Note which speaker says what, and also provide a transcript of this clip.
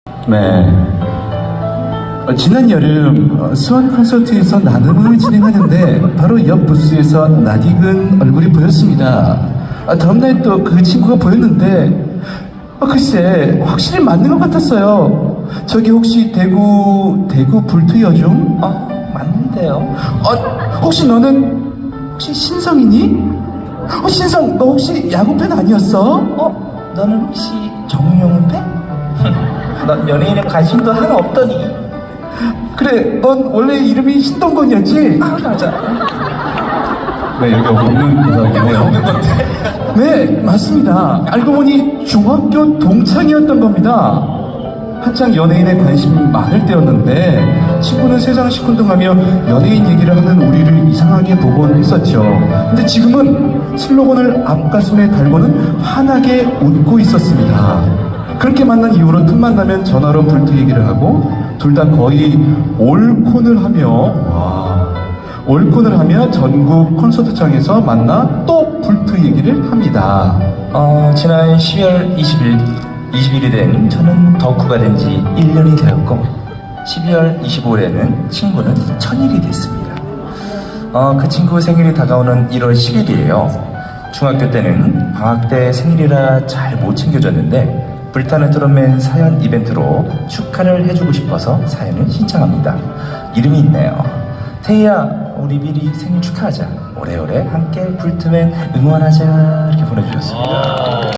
Speaker 1: 네. 지난 여름 수원 콘서트에서 나눔을 진행하는데 바로 옆 부스에서 낯익은 얼굴이 보였습니다. 다음날 또 그 친구가 보였는데 글쎄 확실히 맞는 것 같았어요. 저기 혹시 대구 불투여중? 맞는데요. 혹시 너는 혹시 신성이니? 신성, 너 혹시 야구팬 아니었어? 너는 혹시 정용훈 팬? 넌 연예인에 관심도 하나 없더니. 그래, 넌 원래 이름이 신동건이었지? 맞아.
Speaker 2: 네, 여기 없는 대사이긴 해요.
Speaker 1: 네, 맞습니다. 알고 보니 중학교 동창이었던 겁니다. 한창 연예인에 관심 많을 때였는데 친구는 세상 시큰둥하며 연예인 얘기를 하는 우리를 이상하게 보곤 했었죠. 근데 지금은 슬로건을 앞가슴에 달고는 환하게 웃고 있었습니다. 그렇게 만난 이후로 틈만 나면 전화로 불트 얘기를 하고 둘 다 거의 올콘을 하며 전국 콘서트장에서 만나 또 불트 얘기를 합니다.
Speaker 3: 지난 12월 20일이 된 저는 덕후가 된 지 1년이 되었고 12월 25일에는 친구는 1000일이 됐습니다. 그 친구 생일이 다가오는 1월 10일이에요. 중학교 때는 방학 때 생일이라 잘 못 챙겨줬는데 불타는 트롯맨 사연 이벤트로 축하를 해주고 싶어서 사연을 신청합니다. 이름이 있네요. 태희야, 우리 미리 생일 축하하자. 오래오래 함께 불트맨 응원하자. 이렇게 보내주셨습니다.